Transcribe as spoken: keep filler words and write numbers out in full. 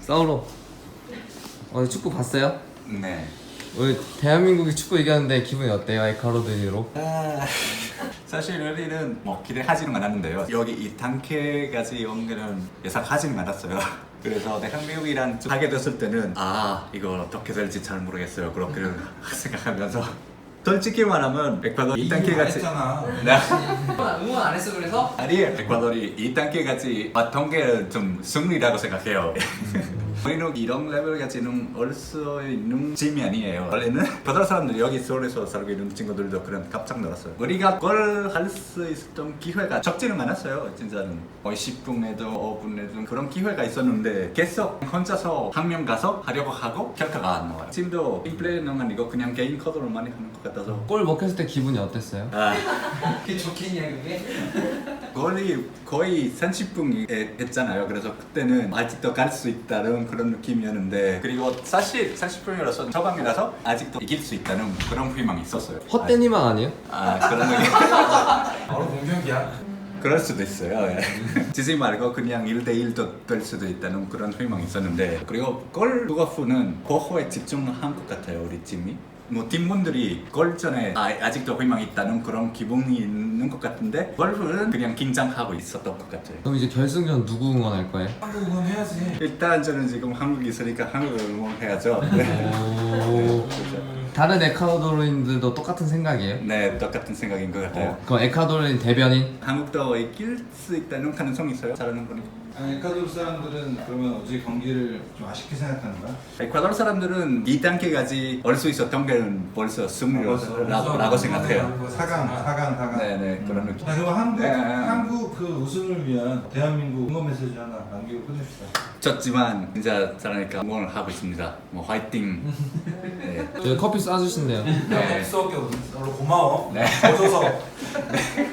사우로 오늘 축구 봤어요? 네. 오늘 대한민국이 축구 이겼는데 기분이 어때요? 에콰도르로? 아, 사실 우리는 뭐 기대하지는 않았는데요. 여기 이 단계까지 온 거는 예상하지는 않았어요. 그래서 대한민국이랑 하게 됐을 때는 아 이거 어떻게 될지 잘 모르겠어요. 그렇게 생각하면서 솔직히 말하면 에콰도르 이 단계 같이 네. 응원 안 했어 그래서? 아니에요. 에콰도르이 이 단계까지 왔던 게 좀 승리라고 생각해요. 우리는 이런 레벨까지는 올 수 있는 팀이 아니에요. 원래는 다른 사람들 여기 서울에서 살고 있는 친구들도 그런 깜짝 놀랐어요. 우리가 골 할 수 있었던 기회가 적지는 않았어요. 진짜는 거의 십 분에도 오 분에도 그런 기회가 있었는데 계속 혼자서 한 명 가서 하려고 하고 결과가 안 나와요. 팀도 팀플레이는 아니고 그냥 개인 커드로 많이 하는 것 같아서 골 먹혔을 때 기분이 어땠어요? 아, 그게 좋겠냐 그게? 거의 거의 삼십 분 했잖아요. 그래서 그때는 아직도 갈 수 있다는 그런 느낌이었는데 그리고 사실 삼십 분이라서 저방이라서 아직도 이길 수 있다는 그런 희망이 있었어요. 헛된 희망 아니에요? 아 그런 느낌. 바로 공격이야. 그럴 수도 있어요. 예. 지지 말고 그냥 일 대 일도 될 수도 있다는 그런 희망이 있었는데 그리고 골 루가프는 보호에 집중한 것 같아요. 우리 팀이. 뭐 팀분들이 골 전에 아, 아직도 희망이 있다는 그런 기분이 있는 것 같은데 골프는 그냥 긴장하고 있었던 것 같아요. 그럼 이제 결승전 누구 응원할 거예요? 한국 응원해야지. 일단 저는 지금 한국에 있으니까 한국을 응원해야죠. 네. 오... 다른 에콰도르인들도 똑같은 생각이에요? 네, 똑같은 생각인 것 같아요. 어, 그럼 에콰도르인 대변인? 한국도 이길 수 있다는 가능성이 있어요. 잘하는 거니. 아니, 에콰도르 사람들은 그러면 어제 경기를 좀 아쉽게 생각하는 거야? 에콰도르 사람들은 이 단계까지 올 수 있었던 게 벌써 승리라고 생각해요. 사강, 사강, 사강. 네네 그런 느낌. 자, 그럼 한국, 네. 한국 그 우승을 위한 대한민국 응원 메시지 하나 남기고 끝냅시다. 졌지만 진짜 잘하니까 응원을 하고 있습니다. 뭐 화이팅. 네. 저희 커피 쏴주신대요. 네. 수업게 오늘 고마워. 네. 오셔서.